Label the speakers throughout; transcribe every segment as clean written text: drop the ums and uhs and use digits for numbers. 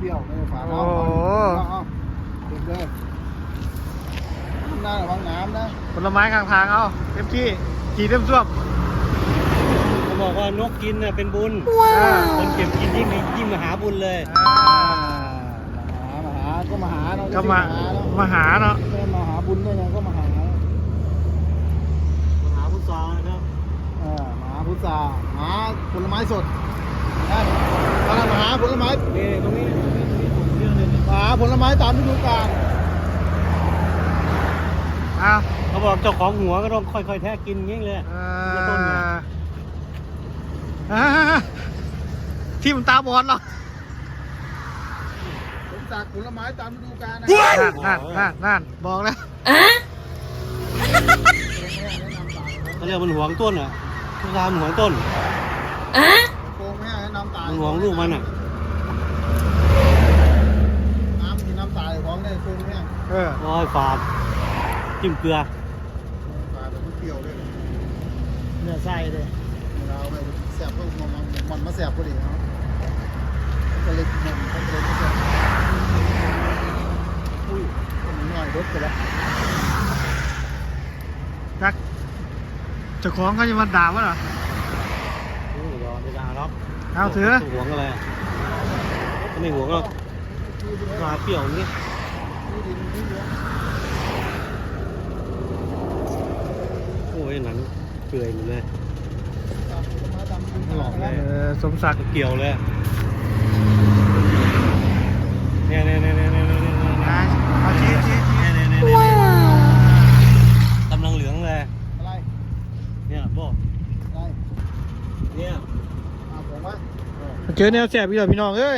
Speaker 1: ปรี้ยวไม่ฝาด
Speaker 2: โอ้
Speaker 1: เอาเด็กเลยหน้าระวังน้ำนะ
Speaker 2: ผลไม้ข้างทางเอาเต็มที่ขี่เต็มซ่วม
Speaker 3: เขาบอกว่านกกินน่ะเป็นบุญคนเก็บกินยิ่งมหาบุญเลย
Speaker 1: มาหาก็มาหาเนาะ
Speaker 2: ก็มาหาเนาะ
Speaker 1: ไม่มาหาบุญได้ไงก็มาหา
Speaker 3: มหาพุทธานะครับ
Speaker 1: มาหาพุทราหาผลไม้สดได้กำลังมาหาผลไม้
Speaker 3: นี่ตรงนี้ผมเรื่องนึง
Speaker 1: หาผลไม้ตามฤดูกาล
Speaker 2: เอา
Speaker 3: เขาบอกเจ้าของหัวก็ต้องค่อยๆแทะกินอย่างนี้เลย ต้นไง
Speaker 2: ที่มันตาบอดหรอ
Speaker 1: ผมสักผลไม้ตามฤดูกาลนะ
Speaker 2: นั่นบอกแล้ว
Speaker 3: เขาเรียกมันหวงต้นอ่ะพุทธามันหวงต้น
Speaker 1: โกงไม่ให้น้ำตาล
Speaker 3: มันหวงลูกมันอ่ะ
Speaker 1: น้ำกินน้ำตาลของเนี่ยโกงเนี่ย
Speaker 3: ร้อยฝาดจิ้มเกลือ
Speaker 1: ปลาแบบเปรี้ยวเลย
Speaker 2: เนื้อไส้เลย
Speaker 1: เราไปแสบก็มันมาแสบพอดีเนาะก็เลยมันก็เลยไม่แสบอุ้ยมันหน่อยรถไปแล้ว
Speaker 2: จักเจ้าของเขาจะมาด่าวะเหรอ
Speaker 3: โอ้ยยอมไม่ได้หรอก
Speaker 2: เอาถือ
Speaker 3: หวงอะไรไม่หวงหรอกปลาเปรี้ยวนี่โอ้ยหนังเปื่อยหมดเลยหลอกเลย
Speaker 2: สมศักดิ์
Speaker 3: เกี่ยวเลยเนี่ย
Speaker 2: เอาชี้
Speaker 3: กำลังเหลืองเลย
Speaker 1: อะไร
Speaker 3: เนี่ยบอก
Speaker 1: อะไร
Speaker 3: เนี่ย
Speaker 1: ผมว่า
Speaker 2: เจอแนวแสบพี่พี่น้องเอ้ย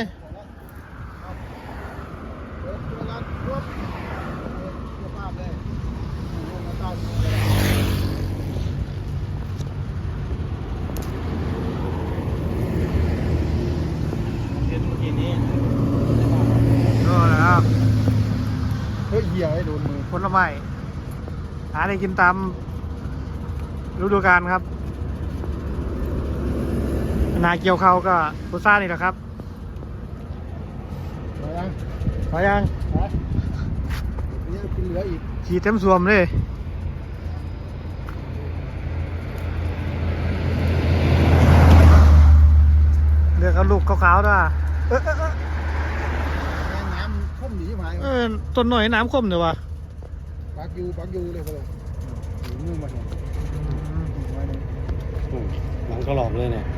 Speaker 3: เห็นเมื่อกี้นี้
Speaker 2: ก็แล้ว
Speaker 1: เฮ้ยเหี้ยให้โดนมือ
Speaker 2: ผลไม้หาได้กินตามฤดูกาลครับนาเกี่ยวเขาก็พุซ่านี่แหละครับ
Speaker 1: มายัง
Speaker 2: พอยัง
Speaker 1: นี่กินเหลืออีก
Speaker 2: ขี่เต็มสวมเลยเลือกเอาลูกขาวๆด้วย
Speaker 1: น้ำข้มหนีมา
Speaker 2: ต้นหน่อยน้ำคมเดี๋ยววะ
Speaker 1: ปักยูเลยไปเลยหนีมือมาเนี่ย
Speaker 3: หลังก็หลอกเลยเนี่ย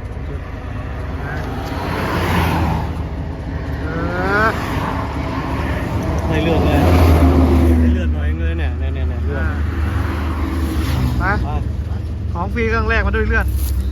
Speaker 3: ไม่เลือดเลยไม่เลือดหน่อยเลยเนี่ยเลือด
Speaker 2: มาของฟรีครั้งแรกมาด้วยเลือด
Speaker 1: มี